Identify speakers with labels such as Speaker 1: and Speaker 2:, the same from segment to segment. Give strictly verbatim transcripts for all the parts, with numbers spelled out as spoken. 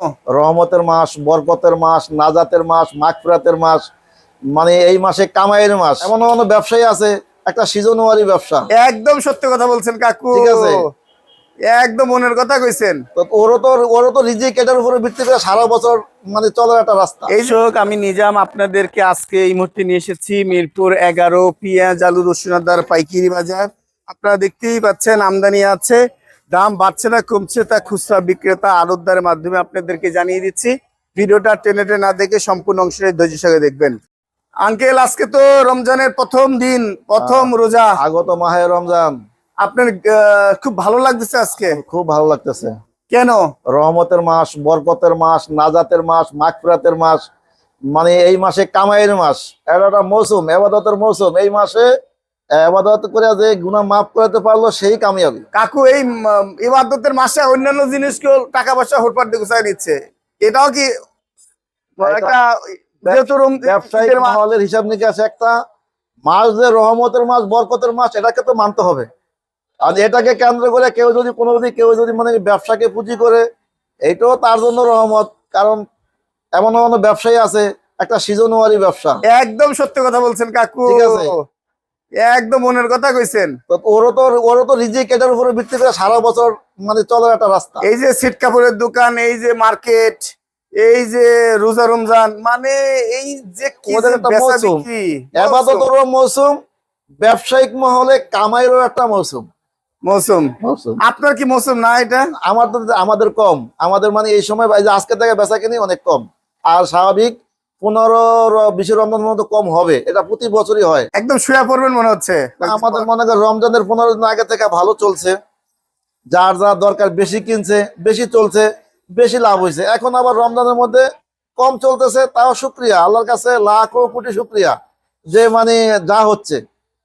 Speaker 1: রহমতের মাস, বরকতের মাস, নাজাতের মাস, মাগফিরাতের মাস, মানে এই মাসে কামাইয়ের মাস। এমন এমন ব্যবসায়ী আছে একটা সিজনওয়ারি ব্যবসা।
Speaker 2: একদম সত্য কথা বলছেন কাকু,
Speaker 1: ঠিক আছে,
Speaker 2: একদম মনের কথা কইছেন।
Speaker 1: তো ওরও তো ওরও তো রিজিক এটার উপরে ভিত্তি করে সারা বছর মানে চলার একটা রাস্তা।
Speaker 2: এই যোগ আমি নিজাম আপনাদেরকে আজকে এই মুহূর্তে নিয়ে এসেছি মিরপুর এগারো পেঁয়াজ আলু রসুন আদার পাইকারি বাজার। আপনারা দেখতেই পাচ্ছেন আমদানি আছে, দাম বাড়ছে না কমছে তা খুচরা বিক্রেতা আড়তদারের মাধ্যমে আপনাদেরকে জানিয়ে দিচ্ছি। ভিডিওটা টেনে টেনে না দেখে সম্পূর্ণ অংশে ধৈর্য সঙ্গে দেখবেন। আঙ্কেল, আজকে তো রমজানের প্রথম দিন, প্রথম রোজা,
Speaker 1: আগত মাহে রমজান।
Speaker 2: আপনার আহ, খুব ভালো লাগতেছে আজকে?
Speaker 1: খুব ভালো লাগতেছে।
Speaker 2: কেন?
Speaker 1: রহমতের মাস, বরকতের মাস, নাজাতের মাস, মাগফিরাতের মাস, মানে এই মাসে কামাইয়ের মাস। এটা একটা মৌসুম, এবাদতের মৌসুম। এই মাসে এবাদত করে যে গুনাহ মাফ করতে পারলো সেই কামিয়াবি।
Speaker 2: কাকু, এই উম, ইবাদতের মাসে অন্যান্য জিনিসকেও টাকা পয়সা হুটপাট দিয়ে গুছাই নিচ্ছে, এটাও কি একটা যেহেতু রম-
Speaker 1: ব্যবসায়িক
Speaker 2: ঈদের মাস-
Speaker 1: মহলের হিসাব নিকাশ একটা মাস যে রহমতের মাস, বরকতের মাস, এটাকে তো মানতে হবে। আর এটাকে কেন্দ্র করে কেউ যদি কোনো যদি কেউ যদি মানে ব্যবসাকে পুঁজি করে, এইটাও তার জন্য রহমত। কারণ এমন এমন ব্যবসায়ী আছে একটা সিজনওয়ারি ব্যবসা।
Speaker 2: একদম সত্য কথা বলছেন কাকু,
Speaker 1: ঠিক আছে,
Speaker 2: একদম মনের কথা কইছেন।
Speaker 1: তো ওরও তো ওরও তো রিজিক এটার উপরে ভিত্তি করে সারা বছর মানে চলার একটা রাস্তা।
Speaker 2: এই যে সিট কাপড়ের দোকান, এই যে মার্কেট, এই যে রোজা রমজান, মানে এই যে কি
Speaker 1: ওদের
Speaker 2: যে
Speaker 1: একটা
Speaker 2: বেচা
Speaker 1: মৌসুম,
Speaker 2: বিক্রি,
Speaker 1: এবাদতেরও মৌসুম, ব্যবসায়িক মহলে কামাইয়েরও একটা মৌসুম।
Speaker 2: মৌসুম।
Speaker 1: মৌসুম
Speaker 2: আপনার কি মৌসুম না এটা?
Speaker 1: আমাদের আমাদের কম, আমাদের মানে এই সময় এই যে আজকে থেকে বেচা কিনি অনেক কম। আর স্বাভাবিক পনেরো বিশ রমজানের মতো কম হবে, এটা প্রতি বছরই হয়।
Speaker 2: একদম শুয়ে পড়বেন মনে হচ্ছে।
Speaker 1: আমাদের মনে করেন রমজানের পনেরো দিন আগে থেকে ভালো চলছে, যার যা দরকার বেশি কিনছে, বেশি চলছে, বেশি লাভ হয়েছে। এখন আবার রমজানের মধ্যে কম চলতেছে, তাও শুক্রিয়া আল্লাহর কাছে, লাখো কোটি শুক্রিয়া যে মানে যা হচ্ছে।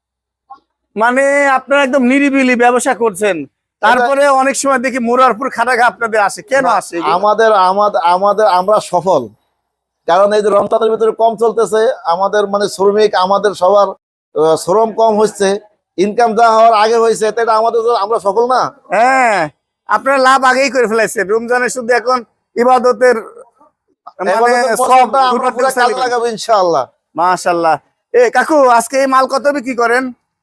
Speaker 2: মানে আপনারা একদম নিরিবিলি ব্যবসা করছেন, তারপরে অনেক সময় দেখি মুরারপুর খাটাঘা আপনাদের আসে, কেন আসে?
Speaker 1: আমাদের আমাদের আমাদের আমরা সফল, কারণ এই যে রমজানের ভিতরে কম চলতেছে, আমাদের মানে শ্রমিক, আমাদের সবার আহ, শ্রম কম হচ্ছে, ইনকাম যা হওয়ার আগে হয়েছে, তাই আমাদের তো আমরা সফল না।
Speaker 2: হ্যাঁ, আপনারা লাভ আগেই করে ফেলাইছেন। রমজানের শুধু এখন ইবাদতের মানে
Speaker 1: এবাদতের
Speaker 2: সব
Speaker 1: মৌসুমটা আমরা পুরো
Speaker 2: হুটহাট
Speaker 1: কাজে লাগাবো ইনশাআল্লাহ।
Speaker 2: মাশাআল্লাহ। এ কাকু, আজকে এই মাল কত বিক্রি করেন?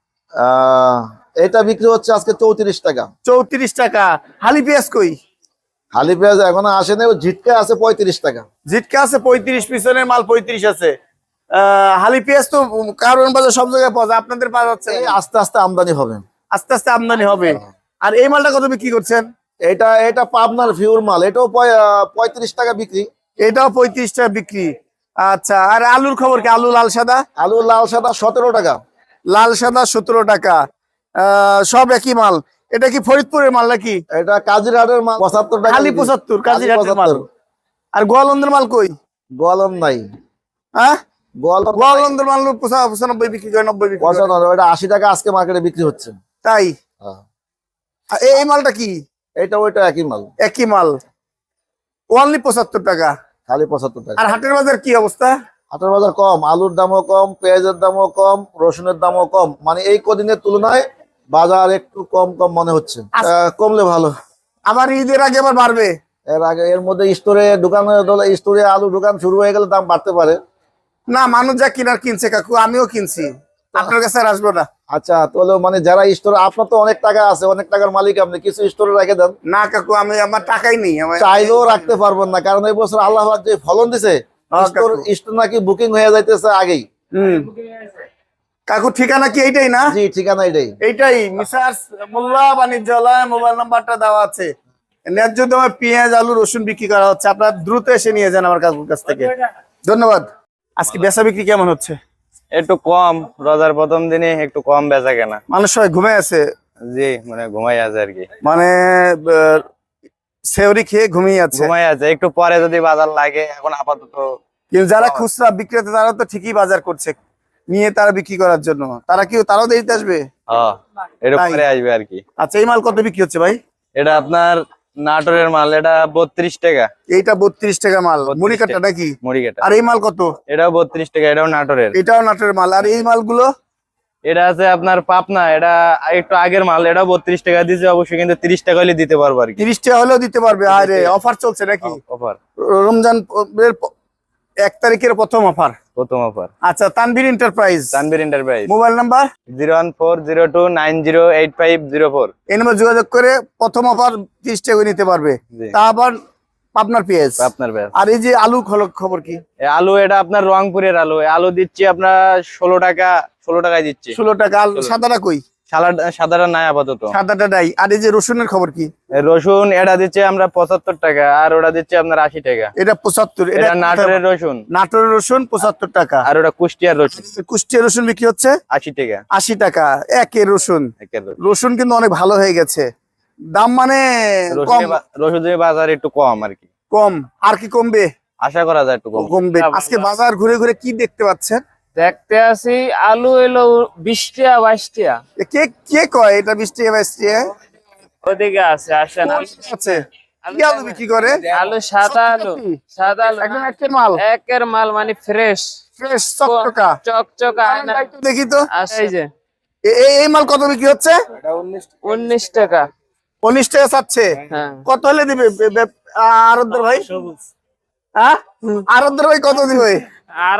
Speaker 1: আহ এটা বিক্রি হচ্ছে আজকে চৌত্রিশ টাকা।
Speaker 2: চৌত্রিশ টাকা। হালি পেঁয়াজ কই?
Speaker 1: হালি পেঁয়াজ এখনো আসেনি, ঝিটকা আছে পঁয়ত্রিশ টাকা।
Speaker 2: জিটকা আছে পঁয়ত্রিশ, পিছনের মাল পঁয়ত্রিশ আছে। আহ হালি পেঁয়াজ তো কারণ বাজার সব জায়গায় পাওয়া যায়, আপনাদের পাওয়া যাচ্ছে না।
Speaker 1: এই আস্তে আস্তে আমদানি হবে,
Speaker 2: আস্তে আস্তে আমদানি হবে। আর এই মালটা কত বিক্রি করছেন?
Speaker 1: এটা এটা পাবনার ফিউর মাল, এটাও পঁয়- আহ, পঁয়ত্রিশ টাকা বিক্রি।
Speaker 2: এটাও পঁয়ত্রিশ টাকা বিক্রি। আচ্ছা, আর আলুর খবর কি? আলু লাল সাদা?
Speaker 1: আলু লাল সাদা সতেরো টাকা।
Speaker 2: লাল সাদা সতেরো টাকা। আহ সব একই মাল। এটা কি ফরিদপুরের মাল নাকি?
Speaker 1: এটা কাজিরহাটের মাল পঁচাত্তর টাকা
Speaker 2: খালি
Speaker 1: বিক্রি।
Speaker 2: পঁচাত্তর,
Speaker 1: খালি
Speaker 2: কাজিরহাটের মাল।
Speaker 1: পঁচাত্তর।
Speaker 2: আর গোয়ালন্দের মাল কই?
Speaker 1: গোয়ালন নাই,
Speaker 2: হ্যাঁ,
Speaker 1: গোয়ালন নাই।
Speaker 2: গোয়ালন্দের মাল পঁচা- পঁচানব্বই বিক্রি করে, নব্বই বিক্রি করে।
Speaker 1: পঁচাত্তর, এটা আশি টাকা আজকে মার্কেটে বিক্রি হচ্ছে।
Speaker 2: তাই?
Speaker 1: হ্যাঁ।
Speaker 2: আর এই এই মালটা কি?
Speaker 1: এটা ওইটা একই মাল,
Speaker 2: একই মাল, ওনলি পঁচাত্তর টাকা।
Speaker 1: খালি পঁচাত্তর টাকা।
Speaker 2: আর হাটের বাজার কি অবস্থা?
Speaker 1: হাটের বাজার কম, আলুর দামও কম, পেঁয়াজের দামও কম, রসুনের দামও কম। মানে এই কদিনের তুলনায় বাজার একটু কম কম মনে হচ্ছে। আহ, কমলে ভালো।
Speaker 2: আবার ঈদের আগে আবার বাড়বে।
Speaker 1: এর আগে এর মধ্যে স্টোরে দোকানে স্টোরে আলু দোকান শুরু হয়ে গেলে দাম বাড়তে পারে।
Speaker 2: না, মানুষ যা কিনার কিনছে কাকু, আমিও কিনছি। আপনার কাছে আর আসবো না।
Speaker 1: আচ্ছা, তাহলে মানে যারা স্টোরে, আপনার তো অনেক টাকা আছে, অনেক টাকার মালিক আপনি, কিছু স্টোরে রেখে দেন।
Speaker 2: না কাকু, আমি আমার টাকাই নেই। আমার
Speaker 1: চাইলেও রাখতে পারবেন না, কারণ এই বছর আল্লাহ পাক যে ফলন দিছে,
Speaker 2: হ্যাঁ,
Speaker 1: স্টোর
Speaker 2: কাকু।
Speaker 1: স্টোর নাকি বুকিং হয়ে যাইতেছে আগেই।
Speaker 2: হুম। কাকু, ঠিকানা কি এইটাই না?
Speaker 1: জি, ঠিকানা এটাই।
Speaker 2: এইটাই মিসার্স মোল্লা বাণিজ্যালয়, মোবাইল নাম্বারটা দেওয়া আছে। ন্যায্য দামে পেঁয়াজ আলু রসুন বিক্রি করা হচ্ছে, আপনারা দ্রুত এসে নিয়ে যান আমার কাকুর কাছ থেকে। ধন্যবাদ। আজকে বেচা বিক্রি কেমন হচ্ছে?
Speaker 3: একটু কম, রোজার প্রথম দিনে একটু কম বেচা কেনা।
Speaker 2: মানুষ সবাই ঘুমে আছে,
Speaker 3: জি, মানে ঘুমাই আছে আর কি।
Speaker 2: মানে আহ, সেওরি খেয়ে ঘুমিয়ে আছে।
Speaker 3: ঘুমাই আছে, একটু পরে যদি বাজার লাগে। এখন আপাতত
Speaker 2: কিন্তু যারা খুচরা বিক্রেতা তারা তো ঠিকই বাজার করছে নিয়ে তারা বিক্রি করার জন্য। তারা কি তারাও দেরিতে আসবে?
Speaker 3: হ্যাঁ, একটু
Speaker 2: তাই?
Speaker 3: পরে আসবে আর কি।
Speaker 2: আচ্ছা, এই মাল কত বিক্রি হচ্ছে ভাই?
Speaker 3: এটা আপনার নাটোরের মাল, এটা বত্রিশ টাকা।
Speaker 2: এইটা বত্রিশ টাকা মাল,
Speaker 3: বত্রিশ
Speaker 2: মুড়ি কাটা
Speaker 3: টাকা।
Speaker 2: নাকি?
Speaker 3: মুড়ি কাটা।
Speaker 2: আর এই মাল কত?
Speaker 3: এটাও বত্রিশ টাকা, এটাও নাটোরের।
Speaker 2: এটাও নাটোরের মাল। আর এই মালগুলো?
Speaker 3: এটা আছে আপনার পাবনা, এটা একটু আগের মাল, এটা বত্রিশ টাকা দিচ্ছে অবশ্যই, কিন্তু তিরিশ টাকা হলে দিতে পারবো আর কি।
Speaker 2: তিরিশ টাকা হলেও দিতে পারবে। আরে অফার চলছে নাকি?
Speaker 3: অফার,
Speaker 2: রমজান এর প- এক তারিখের প্রথম অফার।
Speaker 3: প্রথম অফার।
Speaker 2: আচ্ছা, Tanvir enterprise,
Speaker 3: Tanvir enterprise,
Speaker 2: mobile number
Speaker 3: zero one four zero two nine zero eight five zero four.
Speaker 2: এই নাম্বার যোগাযোগ করে প্রথম অফার তিরিশ টাকা করে নিতে পারবে।
Speaker 3: জি।
Speaker 2: তা আবার আপনার পেঁয়াজ,
Speaker 3: আপনার ব্যাস।
Speaker 2: আর এই যে আলু খল- খবর কি?
Speaker 3: এই আলু, এটা আপনার রংপুরের আলু। এই আলু দিচ্ছি আপনার ষোলো টাকা, ষোলো টাকায় দিচ্ছি।
Speaker 2: ষোলো টাকা। আলু সাদাটা কই?
Speaker 3: সালাড সাদাটা নাই আপাতত।
Speaker 2: সাদাটা নাই। আর এই যে রসুনের খবর কি?
Speaker 3: এই রসুন, এটা দিচ্ছে আমরা পঁচাত্তর টাকা, আর ওটা দিচ্ছে আপনার আশি টাকা।
Speaker 2: এটা পঁচাত্তর।
Speaker 3: এটা নাটোরের রসুন,
Speaker 2: নাটোরের রসুন পঁচাত্তর টাকা।
Speaker 3: আর ওটা কুষ্টিয়ার রসুন
Speaker 2: কুষ্টিয়া রসুন বিক্রি হচ্ছে
Speaker 3: আশি টাকা।
Speaker 2: আশি টাকা। একের রসুন।
Speaker 3: একের রসুন।
Speaker 2: রসুন কিন্তু অনেক ভালো হয়ে গেছে, দাম মানে কম।
Speaker 3: রসুনের বা- রসুনের বাজার একটু কম আর কি,
Speaker 2: কম আর কি কমবে?
Speaker 3: আশা করা যায় একটু কম।
Speaker 2: কমবে। আজকে বাজার ঘুরে ঘুরে কি দেখতে পাচ্ছেন?
Speaker 4: দেখতে আসি আলু এলো বিশ টাকা বাইশ টাকা।
Speaker 2: এ কে কে কয় এটা বিশ টাকা বাইশ টাকা?
Speaker 4: ওদিকে আছে, আসেন।
Speaker 2: আছে কি আলু বিক্রি করে?
Speaker 4: আলু সাদা আলু, সাদা আলু
Speaker 2: একদম একের মাল,
Speaker 4: একের মাল, মানে ফ্রেশ
Speaker 2: ফ্রেশ চকচকা।
Speaker 4: চকচকা। আয়না
Speaker 2: একটু দেখি তো,
Speaker 4: এই যে
Speaker 2: এ- এই এই মাল কত বিক্রি হচ্ছে?
Speaker 4: উনিশ টাকা।
Speaker 2: উনিশ টাকা চাচ্ছে।
Speaker 4: হ্যাঁ,
Speaker 2: কত হলে দিবে বে- বে- আরবদার ভাই? হ্যাঁ, আরবদার ভাই কত দিবে?
Speaker 4: আর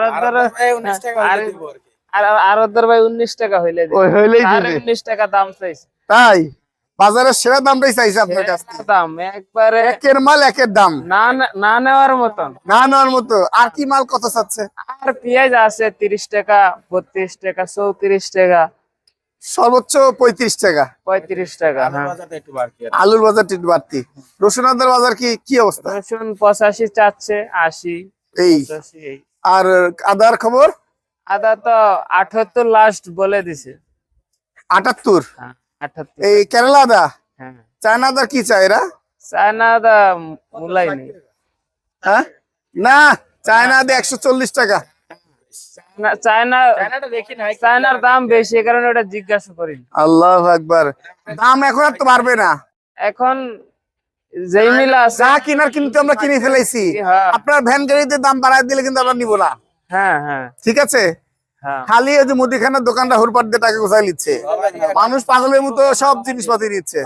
Speaker 4: আর ওদের ভাই উনিশ টাকা হইলে দিবে।
Speaker 2: ওই হইলেই
Speaker 4: আর
Speaker 2: দিবে।
Speaker 4: উনিশ টাকা দাম চাইছে।
Speaker 2: তাই বাজারের সেরা দামটাই চাইছে আপনার কাছ থেকে।
Speaker 4: দাম একবারে
Speaker 2: একের মাল একের দাম,
Speaker 4: না না- না নেওয়ার মতন।
Speaker 2: না নেওয়ার মতো। আর কি মাল কত চাচ্ছে?
Speaker 4: আর পেঁয়াজ আছে তিরিশ টাকা, বত্রিশ টাকা, চৌত্রিশ টাকা,
Speaker 2: সর্বোচ্চ পঁয়ত্রিশ টাকা।
Speaker 4: পঁয়ত্রিশ টাকা। হ্যাঁ,
Speaker 2: আলুর বাজার একটু বাড়তি। রসুন আদার বাজার কি কি অবস্থা?
Speaker 4: রসুন পঁচাশি চাচ্ছে, আশি,
Speaker 2: এই
Speaker 4: পঁচাশি এই।
Speaker 2: আর আদার খবর?
Speaker 4: আদা তো আঠাত্তর লাস্ট বলে দিছে।
Speaker 2: আটাত্তর।
Speaker 4: হ্যাঁ, আঠাত্তর।
Speaker 2: এই কেরালা আদা,
Speaker 4: হ্যাঁ,
Speaker 2: চায়না আদা কি চায় এরা?
Speaker 4: চায়না আদা মূলাই নেই।
Speaker 2: হ্যাঁ, না চায়না আদা একশো চল্লিশ টাকা।
Speaker 4: চায়না চায়না দেখি না, চায়নার দাম বেশি, এই কারণে ওটা জিজ্ঞাসা করি।
Speaker 2: আল্লাহ আকবার। দাম এখন আর তো বাড়বে না।
Speaker 4: এখন যেই মিল আছে।
Speaker 2: যা কিনার কিন্তু আমরা কিনে ফেলেছি।
Speaker 4: হ্যাঁ,
Speaker 2: আপনার ভ্যান গাড়িতে দাম বাড়ায় দিলে কিন্তু আমরা নিব না।
Speaker 4: হ্যাঁ, হ্যাঁ,
Speaker 2: ঠিক আছে?
Speaker 4: হ্যাঁ।
Speaker 2: খালি ওই যে মুদিখানার দোকানটা হুরপাট দিয়ে টাকা গোছাই নিচ্ছে, মানুষ পাগলের মতো সব জিনিসপাতি নিচ্ছে।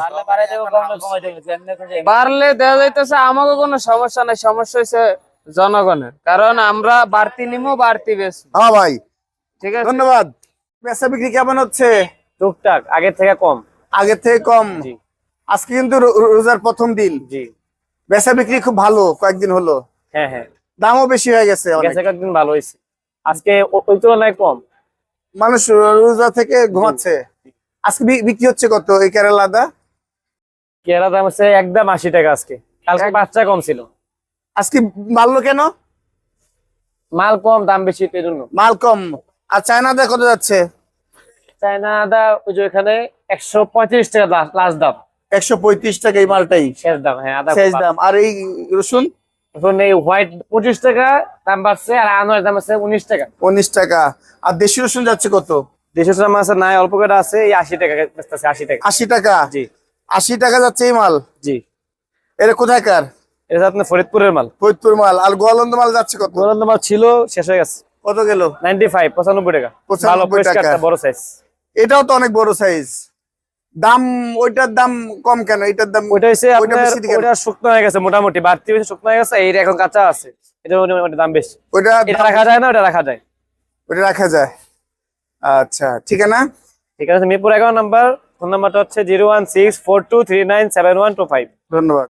Speaker 4: বাড়লে দেওয়া যাইতেছে, আমাকে কোনো সমস্যা নাই, সমস্যা হয়েছে জনগণের, কারণ আমরা বাড়তি নিমো, বাড়তি বেশি।
Speaker 2: হ্যাঁ ভাই,
Speaker 4: ঠিক আছে,
Speaker 2: ধন্যবাদ। বেচা বিক্রি কেমন হচ্ছে?
Speaker 4: টুকটাক, আগের থেকে কম।
Speaker 2: আগের থেকে কম।
Speaker 4: জি।
Speaker 2: আজকে কিন্তু রো- রো- রোজার প্রথম দিন।
Speaker 4: জি,
Speaker 2: বেচা বিক্রি খুব ভালো, কয়েকদিন হলো।
Speaker 4: হ্যাঁ, হ্যাঁ,
Speaker 2: দামও বেশি হয়ে গেছে অনেক।
Speaker 4: গেছে কয়েকদিন ভালো হয়েছে, আজকে ও- ওই তুলনায় কম।
Speaker 2: মানুষ রোজা থেকে ঘুমাচ্ছে। আজকে বি- বিক্রি হচ্ছে কত এই কেরালা আদা?
Speaker 4: কেরা দাম হচ্ছে একদম আশি টাকা আজকে, কালকে বাচ্চা কম ছিল।
Speaker 2: আজকে বাড়লো কেন?
Speaker 4: মাল কম, দাম বেশি, এই জন্য।
Speaker 2: মাল কম। আর চায়না আদা কত যাচ্ছে?
Speaker 4: চায়না আদা ওই যে এখানে একশো পঁয়ত্রিশ টাকা লাস্ট দাম,
Speaker 2: একশো পঁয়ত্রিশ টাকা এই মালটাই
Speaker 4: শেষ দাম। হ্যাঁ, আদা
Speaker 2: শেষ দাম। আর এই রসুন
Speaker 4: এখন এই হোয়াইট পঁচিশ টাকা দাম বাড়ছে, আর আনোয়ার দাম আছে উনিশ টাকা।
Speaker 2: উনিশ টাকা। আর দেশি রসুন যাচ্ছে কত?
Speaker 4: দেশের দাম আছে নাই, অল্প করে আছে, এই আশি টাকা বেচতেছে, আশি টাকা।
Speaker 2: আশি টাকা।
Speaker 4: জি,
Speaker 2: আশি টাকা যাচ্ছে এই মাল।
Speaker 4: জি,
Speaker 2: এটা কোথাকার?
Speaker 4: এটা আপনার ফরিদপুরের মাল।
Speaker 2: ফরিদপুর মাল। আর গোয়ালন্দ মাল যাচ্ছে কত?
Speaker 4: গোলন্দ মাল ছিল, শেষ হয়ে গেছে।
Speaker 2: কত গেল?
Speaker 4: নাইনটি ফাইভ, পঁচানব্বই টাকা। ভালো
Speaker 2: পঁচানব্বই
Speaker 4: পরিষ্কার,
Speaker 2: টাকা।
Speaker 4: বড় সাইজ।
Speaker 2: এটাও তো অনেক বড় সাইজ। দাম ওইটার দাম কম কেন? এটার দাম
Speaker 4: ওইটা হচ্ছে
Speaker 2: ওইটা
Speaker 4: আপনার,
Speaker 2: বেশি কেন?
Speaker 4: ওইটা শুকনো হয়ে গেছে, মোটামুটি বাড়তি বেশি শুকনো হয়ে গেছে, এইটা এখন কাঁচা আছে, এটা মোটামুটি দাম বেশি।
Speaker 2: ওইটা
Speaker 4: এটা রাখা যায় না, ওটা রাখা যায়।
Speaker 2: ওইটা রাখা যায়। আচ্ছা, ঠিক আছে না?
Speaker 4: ঠিক আছে, মিরপুর এগারো নাম্বার, ফোন নাম্বারটা হচ্ছে zero one six four two three nine seven one two five.
Speaker 2: ধন্যবাদ।